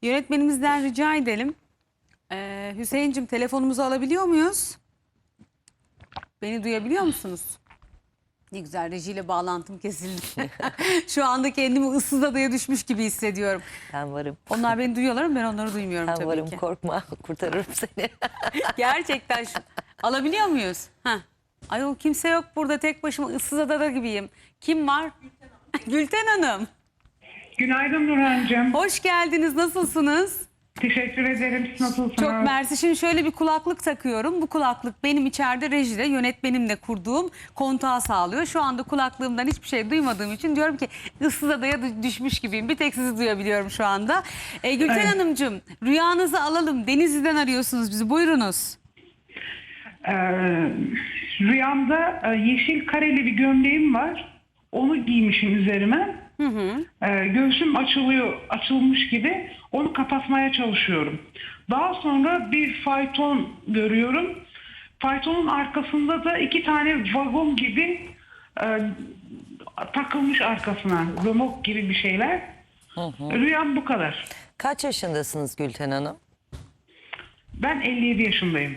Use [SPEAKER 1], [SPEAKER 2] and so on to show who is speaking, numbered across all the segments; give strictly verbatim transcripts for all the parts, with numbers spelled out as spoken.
[SPEAKER 1] Yönetmenimizden rica edelim. Ee, Hüseyin'cim telefonumuzu alabiliyor muyuz? Beni duyabiliyor musunuz? Ne güzel, rejiyle bağlantım kesildi. Şu anda kendimi ıssız adaya düşmüş gibi hissediyorum.
[SPEAKER 2] Ben varım.
[SPEAKER 1] Onlar beni duyuyorlar ama ben onları duymuyorum
[SPEAKER 2] Ben
[SPEAKER 1] tabii
[SPEAKER 2] varım,
[SPEAKER 1] ki.
[SPEAKER 2] korkma, kurtarırım seni.
[SPEAKER 1] Gerçekten şu... Alabiliyor muyuz? Heh. Ayol kimse yok burada, tek başıma ıssız adada gibiyim. Kim var? Gülten Hanım.
[SPEAKER 3] Günaydın Nurhan'cığım.
[SPEAKER 1] Hoş geldiniz, nasılsınız?
[SPEAKER 3] Teşekkür ederim. Siz nasılsınız?
[SPEAKER 1] Çok mersi. Şimdi şöyle bir kulaklık takıyorum. Bu kulaklık benim içeride rejide yönetmenimle kurduğum kontağı sağlıyor. Şu anda kulaklığımdan hiçbir şey duymadığım için diyorum ki ıssız adaya düşmüş gibiyim. Bir tek sizi duyabiliyorum şu anda. E, Gülten
[SPEAKER 3] Evet.
[SPEAKER 1] Hanımcığım, rüyanızı alalım. Denizli'den arıyorsunuz bizi. Buyurunuz.
[SPEAKER 3] Ee, rüyamda e, yeşil kareli bir gömleğim var. Onu giymişim üzerime.
[SPEAKER 1] Hı hı.
[SPEAKER 3] Ee, göğsüm açılıyor, açılmış gibi. Onu kapatmaya çalışıyorum. Daha sonra bir fayton görüyorum. Faytonun arkasında da iki tane vagon gibi e, takılmış arkasına. Römork gibi bir şeyler.
[SPEAKER 2] Hı hı.
[SPEAKER 3] Rüyam bu kadar.
[SPEAKER 2] Kaç yaşındasınız Gülten Hanım?
[SPEAKER 3] Ben elli yedi yaşındayım.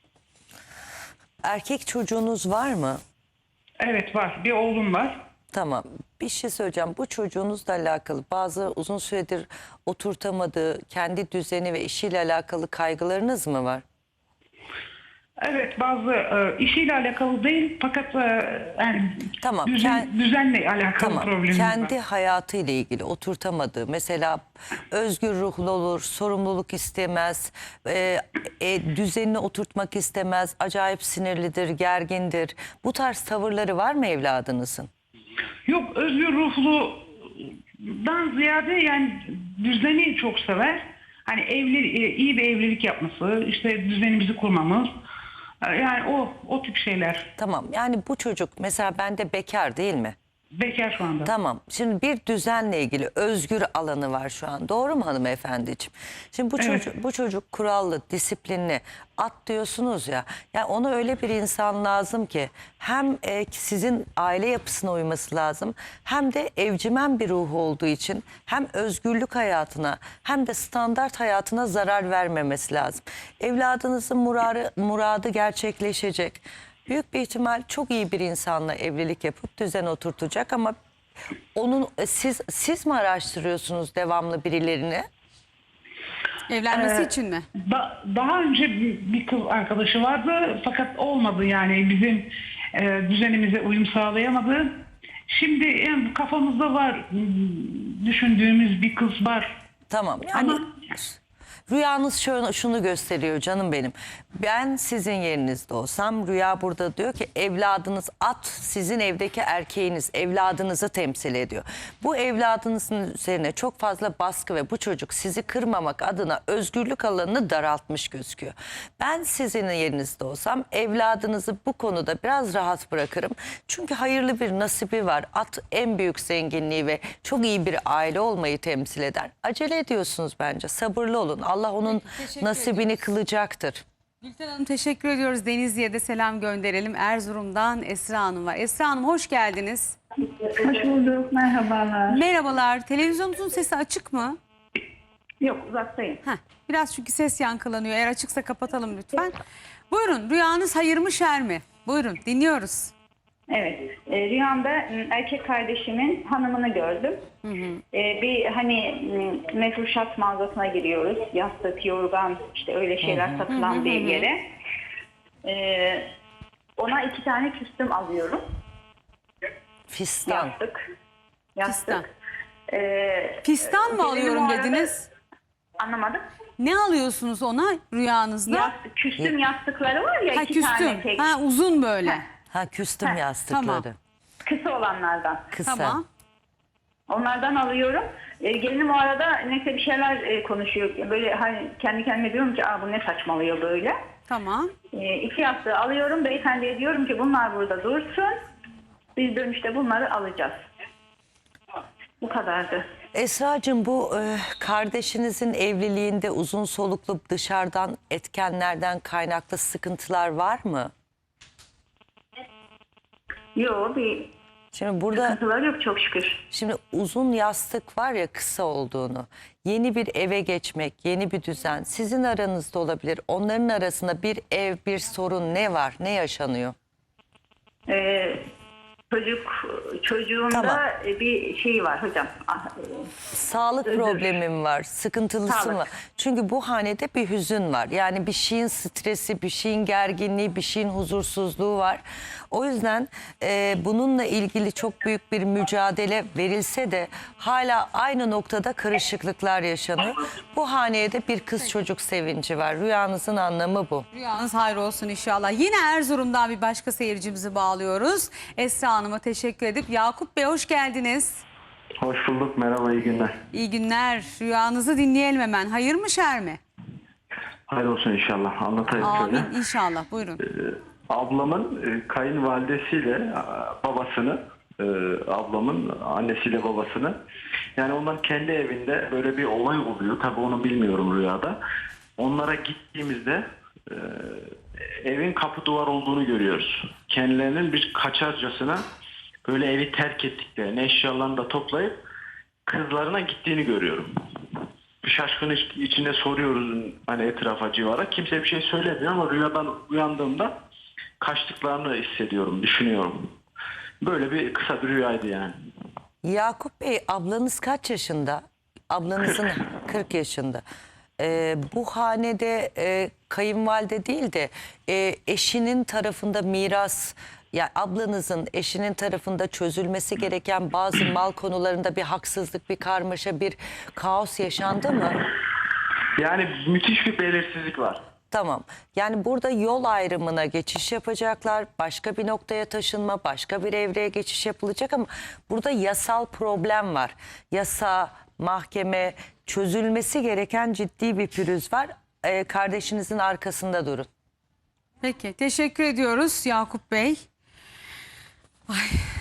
[SPEAKER 2] Erkek çocuğunuz var mı?
[SPEAKER 3] Evet var. Bir oğlum var.
[SPEAKER 2] Tamam. Bir şey söyleyeceğim. Bu çocuğunuzla alakalı bazı uzun süredir oturtamadığı kendi düzeni ve işiyle alakalı kaygılarınız mı var?
[SPEAKER 3] Evet, bazı e, işiyle alakalı değil fakat e, yani
[SPEAKER 2] Tamam,
[SPEAKER 3] düzen,
[SPEAKER 2] kend-
[SPEAKER 3] düzenle alakalı
[SPEAKER 2] Tamam.
[SPEAKER 3] problemimiz
[SPEAKER 2] Kendi
[SPEAKER 3] var.
[SPEAKER 2] hayatıyla ilgili oturtamadığı, mesela özgür ruhlu olur, sorumluluk istemez, e, e, düzenini oturtmak istemez, acayip sinirlidir, gergindir. Bu tarz tavırları var mı evladınızın?
[SPEAKER 3] Yok, özgür ruhludan ziyade yani düzeni çok sever. Hani evli, e, iyi bir evlilik yapması, işte düzenimizi kurmamız. E, Yani o o tip şeyler.
[SPEAKER 2] Tamam, yani bu çocuk mesela bende bekar değil mi?
[SPEAKER 3] Bekar şu anda.
[SPEAKER 2] Tamam. Şimdi bir düzenle ilgili özgür alanı var şu an. Doğru mu hanımefendiciğim? Şimdi bu
[SPEAKER 3] Evet.
[SPEAKER 2] çocuk bu çocuk kurallı, disiplinli. At diyorsunuz ya. Yani ona öyle bir insan lazım ki hem e, sizin aile yapısına uyması lazım, hem de evcimen bir ruhu olduğu için hem özgürlük hayatına hem de standart hayatına zarar vermemesi lazım. Evladınızın muradı, muradı gerçekleşecek. Büyük bir ihtimal çok iyi bir insanla evlilik yapıp düzen oturtacak ama onun siz siz mi araştırıyorsunuz devamlı birilerini?
[SPEAKER 1] Evlenmesi
[SPEAKER 3] Ee,
[SPEAKER 1] için mi?
[SPEAKER 3] Da- daha önce bir, bir kız arkadaşı vardı fakat olmadı, yani bizim e, düzenimize uyum sağlayamadı. Şimdi yani kafamızda var, hmm, düşündüğümüz bir kız var.
[SPEAKER 2] Tamam. Yani
[SPEAKER 3] Ama
[SPEAKER 2] rüyanız şunu, şunu gösteriyor canım benim. Ben sizin yerinizde olsam rüya burada diyor ki evladınız at, sizin evdeki erkeğiniz evladınızı temsil ediyor. Bu evladınızın üzerine çok fazla baskı ve bu çocuk sizi kırmamak adına özgürlük alanını daraltmış gözüküyor. Ben sizin yerinizde olsam evladınızı bu konuda biraz rahat bırakırım. Çünkü hayırlı bir nasibi var. At en büyük zenginliği ve çok iyi bir aile olmayı temsil eder. Acele ediyorsunuz bence. Sabırlı olun. Allah onun
[SPEAKER 1] teşekkür
[SPEAKER 2] nasibini
[SPEAKER 1] ediyoruz.
[SPEAKER 2] kılacaktır.
[SPEAKER 1] Gülten Hanım teşekkür ediyoruz. Denizli'ye de selam gönderelim. Erzurum'dan Esra Hanım var. Esra Hanım hoş geldiniz.
[SPEAKER 4] Hoş bulduk, merhabalar.
[SPEAKER 1] Merhabalar. Televizyonunuzun sesi açık mı?
[SPEAKER 4] Yok, uzaktayım.
[SPEAKER 1] Heh, biraz çünkü ses yankılanıyor. Eğer açıksa kapatalım lütfen. Buyurun, rüyanız hayır mı şer mi? Buyurun, dinliyoruz.
[SPEAKER 4] Evet, e, rüyamda m, erkek kardeşimin hanımını gördüm.
[SPEAKER 1] Hı hı.
[SPEAKER 4] E, bir hani m, mefruşat mağazasına giriyoruz. Yastık, yorgan, işte öyle şeyler satılan bir yere. E, ona iki tane küstüm alıyorum.
[SPEAKER 2] Fistan.
[SPEAKER 4] Yastık. Yastık.
[SPEAKER 1] Fistan.
[SPEAKER 4] E,
[SPEAKER 1] Fistan mı
[SPEAKER 4] gelinim
[SPEAKER 1] alıyorum
[SPEAKER 4] o arada-
[SPEAKER 1] dediniz?
[SPEAKER 4] Anlamadım.
[SPEAKER 1] Ne alıyorsunuz ona rüyanızda?
[SPEAKER 4] Yastık, küstüm yastıkları var ya,
[SPEAKER 1] Ha,
[SPEAKER 4] iki tane
[SPEAKER 1] küstüm.
[SPEAKER 4] tek.
[SPEAKER 1] Ha, uzun böyle.
[SPEAKER 4] Ha.
[SPEAKER 2] Ha, küstüm
[SPEAKER 4] Ha,
[SPEAKER 2] yastıkları.
[SPEAKER 1] tamam.
[SPEAKER 4] Kısa olanlardan.
[SPEAKER 2] Kısa.
[SPEAKER 1] Tamam.
[SPEAKER 4] Onlardan alıyorum. E, gelinim o arada neyse bir şeyler e, konuşuyor. Böyle hani kendi kendime diyorum ki aa bu ne saçmalıyor böyle.
[SPEAKER 1] Tamam.
[SPEAKER 4] E, iki yastığı alıyorum. Beyefendiye diyorum ki bunlar burada dursun. Biz dönüşte bunları alacağız. Bu kadardı.
[SPEAKER 2] Esra'cığım, bu e, kardeşinizin evliliğinde uzun soluklu dışarıdan etkenlerden kaynaklı sıkıntılar var mı?
[SPEAKER 4] Yok, bir
[SPEAKER 2] Şimdi burada
[SPEAKER 4] Sıkıntılar yok çok şükür.
[SPEAKER 2] şimdi uzun yastık var ya kısa olduğunu. Yeni bir eve geçmek, yeni bir düzen sizin aranızda olabilir. Onların arasında bir ev, bir sorun ne var? Ne yaşanıyor?
[SPEAKER 4] Ee, çocuk çocuğunda
[SPEAKER 2] Tamam.
[SPEAKER 4] bir şey var hocam. Ah,
[SPEAKER 2] Sağlık
[SPEAKER 4] Özür.
[SPEAKER 2] problemim var, sıkıntılısı
[SPEAKER 4] Sağlık.
[SPEAKER 2] mı? Çünkü bu hanede bir hüzün var. Yani bir şeyin stresi, bir şeyin gerginliği, bir şeyin huzursuzluğu var. O yüzden e, bununla ilgili çok büyük bir mücadele verilse de hala aynı noktada karışıklıklar yaşanıyor. Bu haneye de bir kız çocuk sevinci var. Rüyanızın anlamı bu.
[SPEAKER 1] Rüyanız hayır olsun inşallah. Yine Erzurum'dan bir başka seyircimizi bağlıyoruz. Esra Hanım'a teşekkür edip Yakup Bey hoş geldiniz.
[SPEAKER 5] Hoş bulduk. Merhaba, iyi günler.
[SPEAKER 1] İyi günler. Rüyanızı dinleyelim hemen. Hayır mı şer mi?
[SPEAKER 5] Hayır olsun inşallah. Anlatayım şöyle.
[SPEAKER 1] Amin inşallah. Buyurun.
[SPEAKER 5] Ablamın e, kayınvalidesiyle e, babasını, e, ablamın annesiyle babasını, yani onların kendi evinde böyle bir olay oluyor. Tabii onu bilmiyorum rüyada. Onlara gittiğimizde e, evin kapı duvar olduğunu görüyoruz. Kendilerinin bir kaçarcasına böyle evi terk ettiklerini, eşyalarını da toplayıp kızlarına gittiğini görüyorum. Bir şaşkın iç- içinde soruyoruz hani etrafa, civara. Kimse bir şey söylemiyor ama rüyadan uyandığımda kaçtıklarını hissediyorum, düşünüyorum. Böyle bir kısa bir rüyaydı yani.
[SPEAKER 2] Yakup Bey ablanız kaç yaşında? Ablanızın kırk yaşında. Ee, bu hanede e, kayınvalide değil de e, eşinin tarafında miras, ya ablanızın eşinin tarafında çözülmesi gereken bazı mal konularında bir haksızlık, bir karmaşa, bir kaos yaşandı mı?
[SPEAKER 5] Yani müthiş bir belirsizlik var.
[SPEAKER 2] Tamam. Yani burada yol ayrımına geçiş yapacaklar. Başka bir noktaya taşınma, başka bir evreye geçiş yapılacak ama burada yasal problem var. Yasa, mahkeme, çözülmesi gereken ciddi bir pürüz var. Ee, kardeşinizin arkasında durun.
[SPEAKER 1] Peki teşekkür ediyoruz Yakup Bey. Ay.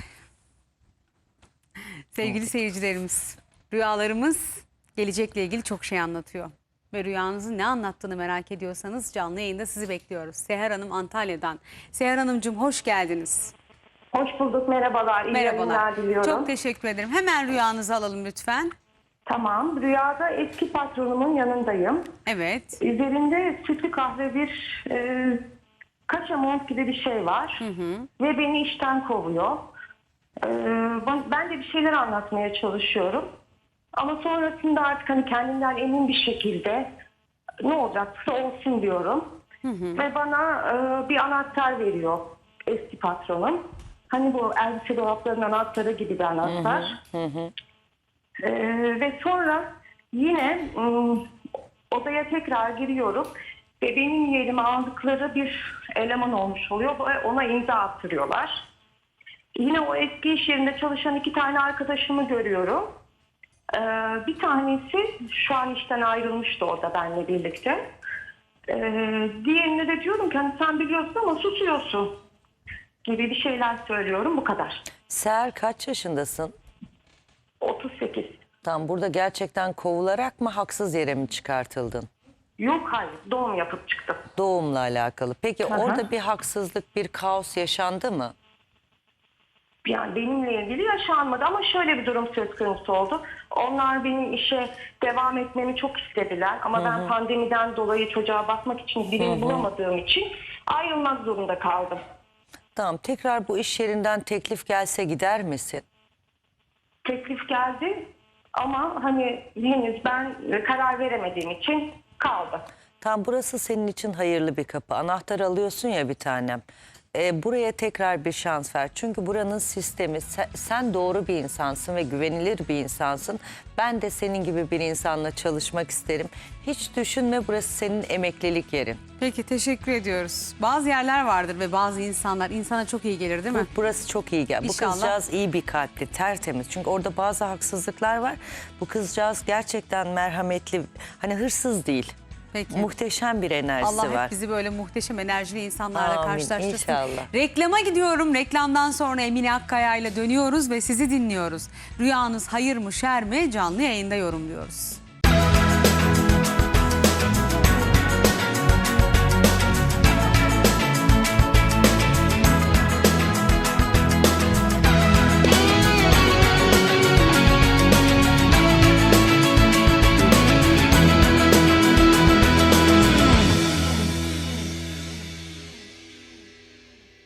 [SPEAKER 1] Sevgili seyircilerimiz, rüyalarımız gelecekle ilgili çok şey anlatıyor. Ve rüyanızın ne anlattığını merak ediyorsanız canlı yayında sizi bekliyoruz. Seher Hanım Antalya'dan. Seher Hanımcığım hoş geldiniz.
[SPEAKER 6] Hoş bulduk, merhabalar. İyi
[SPEAKER 1] Merhabalar.
[SPEAKER 6] yayınlar diliyorum.
[SPEAKER 1] Çok teşekkür ederim. Hemen rüyanızı alalım lütfen.
[SPEAKER 6] Tamam, rüyada eski patronumun yanındayım.
[SPEAKER 1] Evet.
[SPEAKER 6] Üzerinde sütlü kahve bir e, kaşamont gibi bir şey var. Ve beni işten kovuyor. E, ben- ben de bir şeyler anlatmaya çalışıyorum. Ama sonrasında artık hani kendimden emin bir şekilde ne olacaksa olsun diyorum. Ve bana e, bir anahtar veriyor eski patronum. Hani bu elbise dolaplarının anahtarı gibi bir anahtar. Ee, ve sonra yine ım, odaya tekrar giriyorum ve benim yerime aldıkları bir eleman olmuş oluyor ve ona imza attırıyorlar. Yine o eski iş yerinde çalışan iki tane arkadaşımı görüyorum. Ee, bir tanesi şu an işten ayrılmıştı orada benimle birlikte. Ee, diğerine de diyorum ki hani sen biliyorsun ama susuyorsun gibi bir şeyler söylüyorum, bu kadar.
[SPEAKER 2] Seher kaç yaşındasın?
[SPEAKER 6] otuz sekiz.
[SPEAKER 2] Tam burada gerçekten kovularak mı, haksız yere mi çıkartıldın?
[SPEAKER 6] Yok hayır, doğum yapıp çıktım.
[SPEAKER 2] Doğumla alakalı. Peki
[SPEAKER 6] Hı hı.
[SPEAKER 2] orada bir haksızlık, bir kaos yaşandı mı?
[SPEAKER 6] Yani benimle ilgili yaşanmadı ama şöyle bir durum söz konusu oldu. Onlar benim işe devam etmemi çok istediler ama ben pandemiden dolayı çocuğa bakmak için birini bulamadığım için ayrılmak zorunda kaldım.
[SPEAKER 2] Tamam, tekrar bu iş yerinden teklif gelse gider misin?
[SPEAKER 6] Teklif geldi ama hani henüz ben karar veremediğim için kaldı.
[SPEAKER 2] Tam burası senin için hayırlı bir kapı. Anahtar alıyorsun ya bir tanem. Ee, buraya tekrar bir şans ver. Çünkü buranın sistemi, sen, sen doğru bir insansın ve güvenilir bir insansın. Ben de senin gibi bir insanla çalışmak isterim. Hiç düşünme, burası senin emeklilik yerin.
[SPEAKER 1] Peki teşekkür ediyoruz. Bazı yerler vardır ve bazı insanlar insana çok iyi gelir değil mi?
[SPEAKER 2] Bu, burası çok iyi gel. Bu
[SPEAKER 1] İnşallah.
[SPEAKER 2] kızcağız iyi bir kalpli, tertemiz. Çünkü orada bazı haksızlıklar var. Bu kızcağız gerçekten merhametli, hani hırsız değil.
[SPEAKER 1] Peki.
[SPEAKER 2] Muhteşem bir enerjisi
[SPEAKER 1] Allah
[SPEAKER 2] var.
[SPEAKER 1] hep bizi böyle muhteşem enerjili insanlarla
[SPEAKER 2] Amin,
[SPEAKER 1] karşılaştırsın.
[SPEAKER 2] inşallah.
[SPEAKER 1] Reklama gidiyorum. Reklamdan sonra Emine Akkaya ile dönüyoruz ve sizi dinliyoruz. Rüyanız hayır mı şer mi canlı yayında yorumluyoruz.